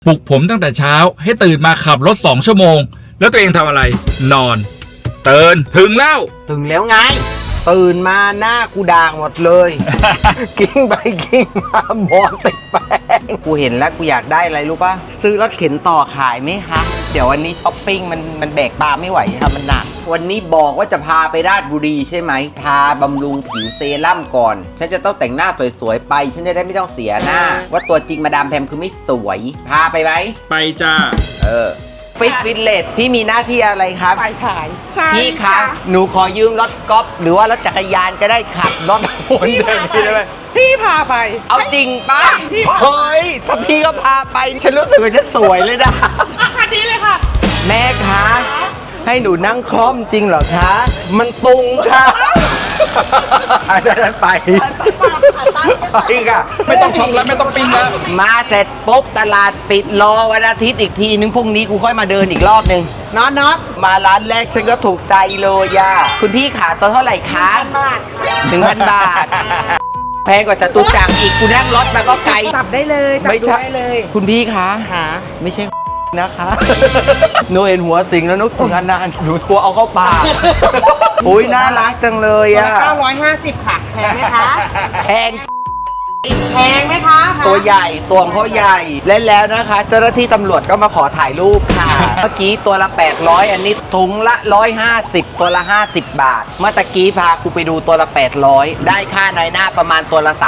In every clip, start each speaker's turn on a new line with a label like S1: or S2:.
S1: ปลุกผมตั้งแต่เช้าให้ตื่นมาขับรถ2 ชั่วโมงแล้วตัวเองทำอะไรนอนตื่นถึงแล้ว
S2: ถึงแล้วไงตื่นมาหน้ากูด่างหมดเลย กิ้งไปกิ้งมาบอลติดแป้งกูเห็นแล้วกูอยากได้อะไรรู้ป่ะซื้อรถเข็นต่อขายไหมคะเดี๋ยววันนี้ช้อปปิ้งมันแบกปลาไม่ไหวค่ะมันหนักวันนี้บอกว่าจะพาไปราชบุรีใช่ไหมทาบำรุงผิวเซรั่มก่อนฉันจะต้องแต่งหน้าสวยๆไปฉันจะได้ไม่ต้องเสียหน้า ว่าตัวจริงมาดามแพมคือไม่สวยพาไปไหม
S1: ไปจ้า
S2: ฟิตวิลเลจพี่มีหน้าที่อะไรครับ
S3: ไปขายใช่
S2: พี่คะหนูขอยืมรถกอล์ฟหรือว่ารถจักรยานก็ได้ขับรถวนเดินพี่ได้ไหม
S3: พี่พาไป
S2: เอาจริงป่ะ
S3: พี่
S2: เฮ้ยถ้าพี่ก็พาไปฉันรู้สึกว่าฉันสวยเลยนะ
S3: คันนี้เลยค่ะ
S2: แม่คะให้หนูนั่งคล่อมจริงเหรอคะ มันตุงค่ะอาจารย์ไปไปค่ะ
S1: ไม่ต้องช็อปแล้วไม่ต้องปิ้งแล้ว
S2: มาเสร็จปุ๊บตลาดปิดรอวันอาทิตย์อีกทีนึงพรุ่งนี้กูค่อยมาเดินอีกรอบนึง
S3: น็อต
S2: มาร้านแรกฉันก็ถูกใจเลยย่าคุณพี่ขาตัวเท่าไหร่คะ
S3: บาท
S2: 1,000 บาท แพงกว่าจตุจักรอีกกูนั่งรถมาก็ไกล
S3: จับได้เลยจับ
S2: ไม่
S3: ดู
S2: ใช่
S3: ได้เลย
S2: คุณพี่คะ
S3: ค่ะ
S2: ไม่ใช่ นะคะหนูเห็นหัวสิงแล้วนุกถึงอันนั้นหนูกลัวเอาเข้าปากอุ้ยน่ารักจังเลย
S3: ตัว
S2: อ่ะ
S3: ละ950ค่ะแพงไหมคะ
S2: แพง
S3: แพงไหมคะ
S2: ตัวใหญ่ตัวเขาใหญ่และแล้วนะคะ เจ้าหน้าที่ตำรวจก็มาขอถ่ายรูปค่ะ เมื่อกี้ตัวละ800อันนี้ถุงละ150ตัวละ50 บาท เมื่อตะกี้พากูไปดูตัวละ800ได้ค่าในหน้าประมาณตัวละ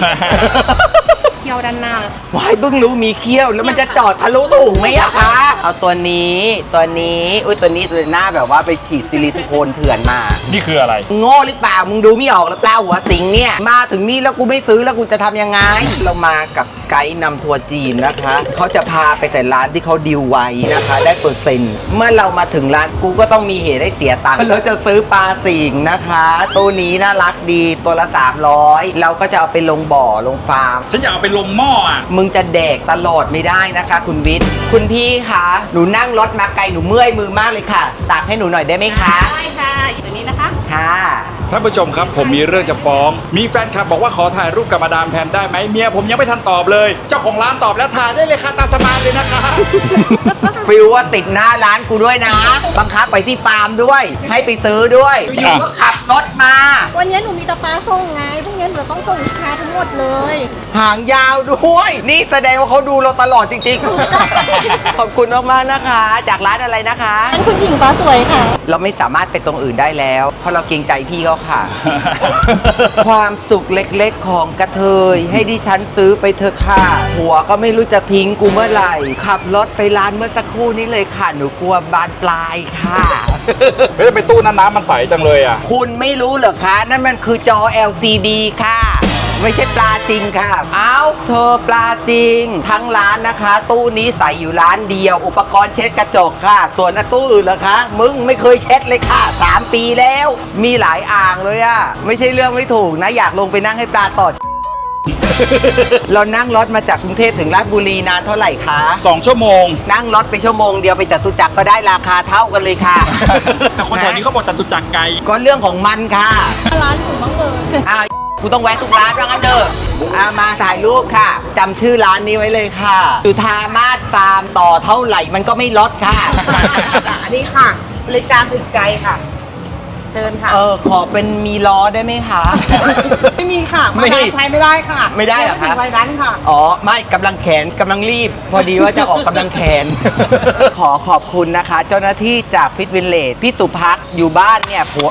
S2: 300
S3: เที่ยวด้านหน้า
S2: ว้ายเพิ่งรู้มีเขี้ยวแล้วมันจะจอดทะลุถุงไหมอะคะ เอาตัวนี้ตัวหน้าแบบว่าไปฉีดซิลิโคนเถื่อนมา
S1: นี่คืออะไร
S2: โง่หรือเปล่ามึงดูไม่ออกหรือเปล่าหัวสิงเนี่ยมาถึงนี่แล้วกูไม่ซื้อแล้วกูจะทำยังไง เรามากับไกด์นำทัวร์จีนนะคะเขาจะพาไปแต่ร้านที่เขาดิวไว้นะคะ ได้เปอร์เซ็นต์เมื่อเรามาถึงร้านกูก็ต้องมีเหตุให้เสียตังค์เราจะซื้อปลาสิงนะคะตัวนี้น่ารักดีตัวละ300เราก็จะเอาไปลงบ่อลงฟาร์ม
S1: ฉันอยากเอาไปลงหม้ออ่ะ
S2: มึงจะแดกตลอดไม่ได้นะคะ คุณวิทย์ คุณพี่คะหนูนั่งรถมาไกลหนูเมื่อยมือมากเลยค่ะตักให้หนูหน่อยได้ไหมคะ
S3: ได้ค่ะอยู่ตรงนี้นะคะ
S2: ค่ะ
S1: ท่านผู้ชมครับผมมีเรื่องจะฟ้อง มีแฟนคลับบอกว่าขอถ่ายรูปกับมาดามแพมได้ไหมเมียผมยังไม่ทันตอบเลย เจ้าของร้านตอบแล้วถ่ายได้เลยค่ะตามสบายเลยนะคะ
S2: ฟิลว่าติดหน้าร้านกูด้วยนะ บังคับไปที่ฟาร์มด้วย ให้ไปซื้อด้วย อยู่ๆก็ขับรถมา
S4: วันนี้หนูมีตาปลาส่งไง พรุ่งนี้หนูต้องส่งลูกค้าทั้งหมดเลย
S2: หางยาวด้วย นี่แสดงว่าเขาดูเราตลอดจริงๆ ขอบคุณมากๆนะคะ จากร้านอะไรนะคะ
S4: อันคุณหญิงฟ้าสวยค่ะ
S2: เราไม่สามารถไปตรงอื่นได้แล้ว เพราะเราเกรงใจพี่เขาค่ะ ความสุขเล็กๆของกระเทย ให้ดิฉันซื้อไปเถอะค่ะหัวก็ไม่รู้จะทิ้งกูเมื่อไหร่ ขับรถไปร้านเมื่อสักครู่นี้เลยค่ะ หนูกลัวบานปลายค่ะ
S1: เฮ้ยไปตู้นั้นน้ำมันใสจังเลยอ่ะ
S2: คุณไม่รู้เหรอคะ นั่นมันคือจอ LCD ค่ะ ไม่ใช่ปลาจริงค่ะ เอาเธอปลาจริง ทั้งร้านนะคะ ตู้นี้ใส่อยู่ร้านเดียว อุปกรณ์เช็ดกระจกค่ะ ส่วนตู้อื่นเหรอคะ มึงไม่เคยเช็ดเลยค่ะ 3 ปีแล้ว มีหลายอ่างเลยอะไม่ใช่เรื่องไม่ถูกนะ อยากลงไปนั่งให้ปลาตอด เรานั่งรถมาจากกรุงเทพถึงราชบุรีนานเท่าไหร่คะ
S1: 2 ชั่วโมง
S2: นั่งรถไปชั่วโมงเดียวไปจตุจักรก็ได้ราคาเท่ากันเลยค่ะ
S1: แต่คนแถวนี้เขาบอกจตุจักรไกล
S2: ก็เรื่องของมันค่ะ
S4: ร้านหนูบ้างเลย
S2: กูต้องแวะทุกร้านว่างั้นเถอะมาถ่ายรูปค่ะจำชื่อร้านนี้ไว้เลยค่ะจุธามาศฟาร์มต่อเท่าไหร่มันก็ไม่ลดค่ะ
S3: อันนี้ค่ะ บริการถึงใจค่ะ เชิญค่ะ
S2: ขอเป็นมีล้อได้ไหมคะ
S3: ไม่มีค่ะ
S2: ไม่
S3: มาใช้ไม่ได้ค่ะ
S2: ไม่ได้เหรอครับ
S3: ไม่ถึงวัยนั้นค่ะ
S2: อ๋อ ไม่กำลังแขนกำลังรีบ พอดีว่าจะออกกำลังแขน ขอขอบคุณนะคะ เจ้าหน้าที่จากฟิตวิลเลจพี่สุพักอยู่บ้านเนี่ยผัว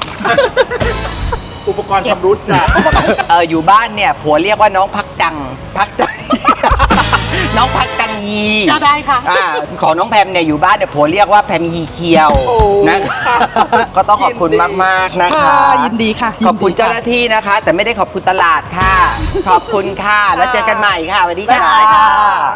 S1: อุปกรณ์ชำรุดจ้ะ
S2: อยู่บ้านเนี่ยผัวเรียกว่าน้องพักจัง น้องพักจังยี
S3: ก็ได้ค่ะ
S2: ของน้องแพมเนี่ยอยู่บ้านเนี่ยผัวเรียกว่าแพมยีเคียว
S3: โอ้
S2: นะก็ต้องขอบคุณมากๆนะคะ
S3: ค่ะยินดีค่ะ
S2: ขอบคุณเจ้าหน้าที่นะคะ แต่ไม่ได้ขอบคุณตลาดค่ะ ขอบคุณค่ะ แล้วเจอกันใหม่ค่ะสวัสดีค่ะ